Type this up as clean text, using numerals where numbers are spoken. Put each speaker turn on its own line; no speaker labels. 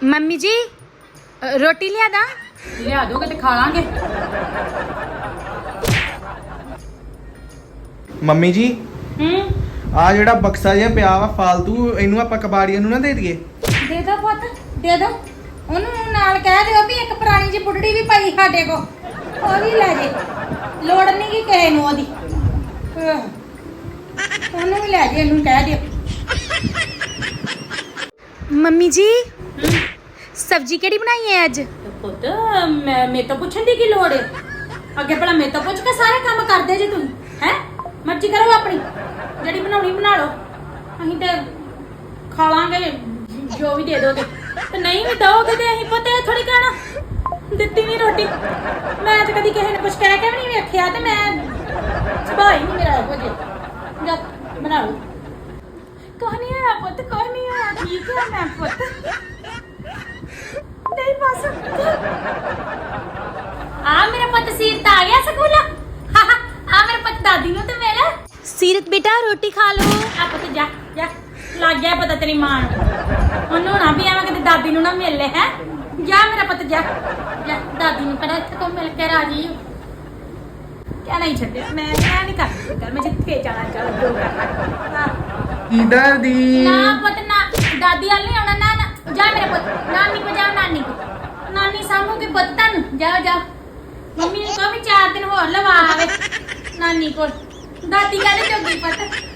Mummy ਜੀ ਰੋਟੀ ਲਿਆ ਦਾਂ?
ਲਿਆ ਦੋਗੇ ਤੇ ਖਾ ਲਾਂਗੇ।
ਮੰਮੀ ਜੀ
ਹੂੰ
ਆ ਜਿਹੜਾ ਬਕਸਾ ਜਿਹਾ ਪਿਆ ਵਾ ਫਾਲਤੂ, ਇਹਨੂੰ ਆਪਾਂ ਕਬਾੜੀਆਂ ਨੂੰ ਨਾ ਦੇ ਦਈਏ।
ਦੇ ਦੋ ਪੁੱਤ, ਦੇ ਦੋ। ਉਹਨੂੰ ਨਾਲ ਕਹਿ ਦਿਓ ਵੀ ਇੱਕ ਪੁਰਾਣੀ ਜਿਹੀ ਬੁੱਢੜੀ ਵੀ ਪਈ ਸਾਡੇ ਕੋ, ਉਹ ਵੀ ਲੈ ਜੇ। ਲੋੜ ਨਹੀਂ ਕਿ ਕਿਸੇ ਨੂੰ ਉਹਦੀ, ਉਹਨੂੰ ਵੀ ਲੈ ਜੇ, ਇਹਨੂੰ ਕਹਿ ਦਿਓ।
ਮੰਮੀ ਜੀ ਸਬਜ਼ੀ ਕਿਹੜੀ ਬਣਾਈ ਹੈ ਅੱਜ?
ਪੁੱਤ ਮੇਰੇ ਤੋਂ ਪੁੱਛਣ ਦੀ ਕੀ ਲੋੜ ਹੈ? ਅੱਗੇ ਭਲਾ ਮੇਰੇ ਤੋਂ ਪੁੱਛ ਕੇ ਸਾਰੇ ਕੰਮ ਕਰਦੇ ਜੇ ਤੁਸੀਂ, ਹੈ? ਮਰਜ਼ੀ ਕਰੋ ਆਪਣੀ, ਜਿਹੜੀ ਬਣਾਉਣੀ ਬਣਾ ਲਓ। ਅਸੀਂ ਤੇ ਖਾ ਲਾਂਗੇ ਜੋ ਵੀ ਦੇ ਦੋਗੇ, ਤੇ ਨਹੀਂ ਵੀ ਦੋਗੇ ਤੇ ਅਸੀਂ ਪੁੱਤ ਥੋੜੀ ਕਹਿਣਾ ਦਿੱਤੀ ਨਹੀਂ ਰੋਟੀ। ਮੈਂ ਤੇ ਕਦੀ ਕਿਸੇ ਨੇ ਕੁਛ ਕਹਿ ਕੇ ਵੀ ਨਹੀਂ ਵੇਖਿਆ, ਤੇ ਮੈਂ ਸੁਭਾਅ ਹੀ ਨਹੀਂ ਮੇਰਾ ਇਹੋ ਜਿਹਾ। ਜਾ ਬਣਾ ਲਓ। ਕੁਛ ਨਹੀਂ ਹੋਇਆ ਪੁੱਤ, ਕੁਛ ਨਹੀਂ ਹੋਇਆ, ਠੀਕ ਹੈ ਮੈਂ ਪੁੱਤ। ਨਹੀਂ ਬਸ ਆ ਮੇਰਾ ਪੁੱਤ ਸੀਰਤ ਆ ਗਿਆ ਸਕੂਲ। ਆ ਮੇਰਾ ਪੁੱਤ ਦਾਦੀ ਨੂੰ ਤੇ ਮਿਲ।
ਸੀਰਤ ਬੇਟਾ ਰੋਟੀ ਖਾ ਲੋ।
ਆ ਪੁੱਤ ਜਾ ਜਾ, ਲੱਗ ਗਿਆ ਪਤਾ ਤੇਰੀ ਮਾਂ ਨੂੰ। ਉਹਨੂੰ ਨਾ ਵੀ ਆਵਾਂ ਕਿਤੇ ਦਾਦੀ ਨੂੰ ਨਾ ਮਿਲ ਲੈ। ਹੈ ਜਾ ਮੇਰਾ ਪੁੱਤ ਜਾ ਜਾ, ਦਾਦੀ ਨੂੰ ਕਿਹੜਾ ਇੱਥੇ ਕੋ ਮਿਲ ਕੇ ਰਾਜੀ ਹੋ। ਕਿਆ ਨਹੀਂ ਛੱਡਿਆ, ਮੈਂ ਨਹੀਂ ਕਰਦੀ, ਮੈਂ ਜਿੱਥੇ ਜਾਣਾ ਚੱਲ ਜੋ ਕਰਨਾ।
ਕਿਧਰ ਦੀ?
ਨਾ ਪੁੱਤ ਨਾ, ਦਾਦੀ ਵਾਲ ਨਹੀਂ ਆਉਣਾ। ਨਾ ਨਾ ਜਾ ਮੇਰਾ ਪੁੱਤ, ਨਾਨੀ ਕੋ ਜਾ, ਨਾਨੀ ਕੋ। ਨਾਨੀ ਸਾਹਮਣੇ ਪੁੱਤ ਤੁਹਾਨੂੰ ਜਾਓ ਜਾਓ। ਮੰਮੀ ਨੂੰ ਕਹੋ ਵੀ 4 ਦਿਨ ਹੋਰ ਲਵਾ ਆਵੇ ਨਾਨੀ ਕੋਲ। ਦਾਦੀ ਕਹਿੰਦੇ ਜੋਗੀ ਪੁੱਤ।